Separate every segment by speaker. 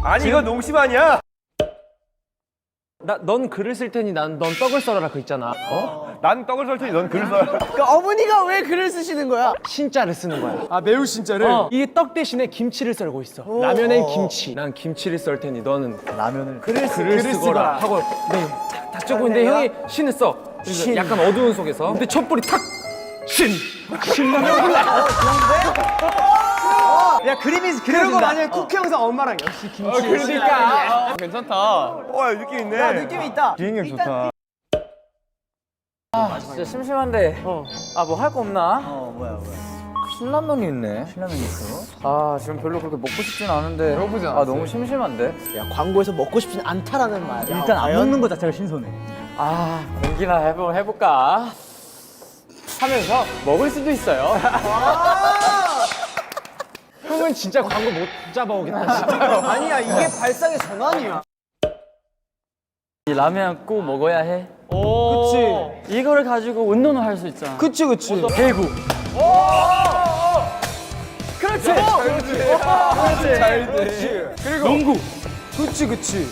Speaker 1: 아니 이거 농심 아니야?
Speaker 2: 넌 글을 쓸 테니 넌 떡을 썰어라 그 있잖아.
Speaker 1: 난 떡을 썰 테니 넌 글을 써라.
Speaker 3: 그러니까 어머니가 왜 글을 쓰시는 거야?
Speaker 2: 신자를 쓰는 거야.
Speaker 3: 아 매우 신자를?
Speaker 2: 이게 떡 대신에 김치를 썰고 있어. 라면엔 김치. 난 김치를 썰 테니 너는
Speaker 3: 라면을
Speaker 2: 글을 쓰거라 하고 탁 적고 있는데 형이 신을 써. 그래서 약간 어두운 속에서. 근데 촛불이 탁 신라면 불래.
Speaker 3: 야 그림이 그리고 만약에 쿠키 영상 엄마랑 역시 김치
Speaker 2: 그러니까.
Speaker 1: 괜찮다. 와 느낌 있네.
Speaker 3: 야 느낌이 있다.
Speaker 1: 비행력 좋다.
Speaker 4: 진짜 심심한데 아 뭐 할 거 없나?
Speaker 3: 뭐야
Speaker 4: 신라면이 있네.
Speaker 3: 신라면 있어?
Speaker 4: 아 지금 별로 그렇게 먹고 싶진 않은데
Speaker 2: 배고프지
Speaker 4: 아 너무 심심한데?
Speaker 3: 야 광고에서 먹고 싶진 않다라는 말.
Speaker 5: 일단 안 먹는 거 자체가 신선해.
Speaker 4: 아 공기나 해볼까? 하면서 먹을 수도 있어요.
Speaker 2: 형은 진짜 광고 못 잡아오긴 하지.
Speaker 3: 아니야 이게 발상의 전환이야.
Speaker 4: 이 라면 꼭 먹어야 해.
Speaker 3: 그치
Speaker 4: 이거를 가지고 운동을 할 수 있잖아.
Speaker 3: 그치
Speaker 4: 배구.
Speaker 3: 그렇지 그리고 농구 그치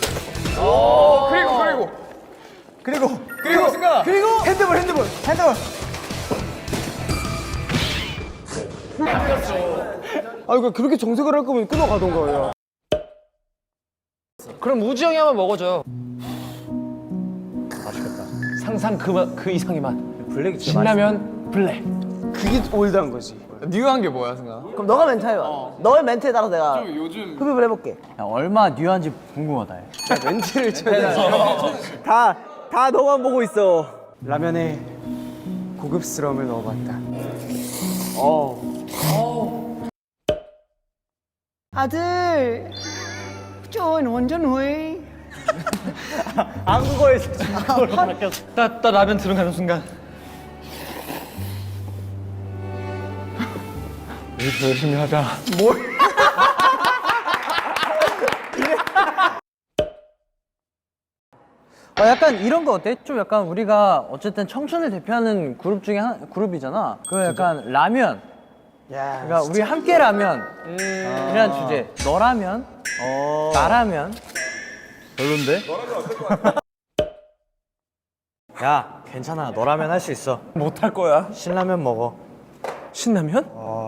Speaker 3: 그리고 핸드볼 아 이거 그렇게 정색을 할 거면 끊어가던가 야.
Speaker 2: 그럼 우지 형이 한번 먹어줘. 맛있겠다. 상상 그 이상의 맛.
Speaker 5: 블랙이 진짜
Speaker 2: 신라면 블랙.
Speaker 3: 그게 올드한 거지.
Speaker 1: 뉴한 게 뭐야 승아?
Speaker 3: 그럼 너가 멘트 해봐. 너의 멘트에 따라 내가 흡입을 해볼게.
Speaker 5: 야, 얼마 뉴한지 궁금하다. 야.
Speaker 3: 멘트를 쳐야 돼. 다 너만 보고 있어. 라면에 고급스러움을 넣어봤다. 아들, 저 완전 왜?
Speaker 5: 한국어에서 중국어로 바뀌었어.
Speaker 4: 나 라면 들어가는 순간.
Speaker 2: 우리 열심히 하자.
Speaker 5: 약간 이런 거 어때? 좀 약간 우리가 어쨌든 청춘을 대표하는 그룹 중에 그룹이잖아. 그 약간 라면.
Speaker 3: 야,
Speaker 5: 그러니까 우리 함께 라면. 이란 주제. 너라면. 나라면.
Speaker 1: 별론데?
Speaker 5: 야, 괜찮아. 너라면 할 수 있어.
Speaker 2: 못할 거야.
Speaker 5: 신라면 먹어.
Speaker 2: 신라면?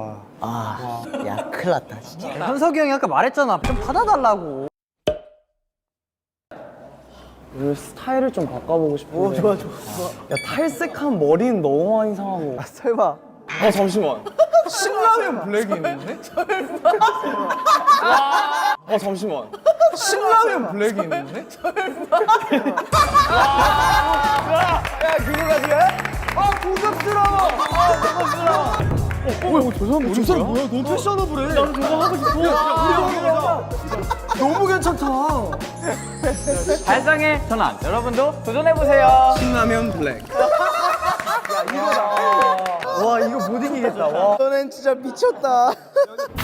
Speaker 3: 야, 큰일 났다 진짜.
Speaker 5: 현석이 형이 아까 말했잖아. 좀 받아달라고.
Speaker 3: 우리 스타일을 좀 바꿔보고 싶은데. 오, 좋아. 야, 탈색한 머리는 너무 많이 상하고. 설마.
Speaker 1: 잠시만. 신라면 블랙이 있는데? 잠시만. 신라면 블랙이 있는데?
Speaker 3: 저 사람 뭐야? 너무 패셔너블해. 나는 저거 하고 싶어. 야, 우리 너무 괜찮다.
Speaker 4: 발상의 전환. 여러분도 도전해보세요.
Speaker 1: 신라면 블랙.
Speaker 3: 와, 이거 못 이기겠다. 와. 너는 진짜 미쳤다.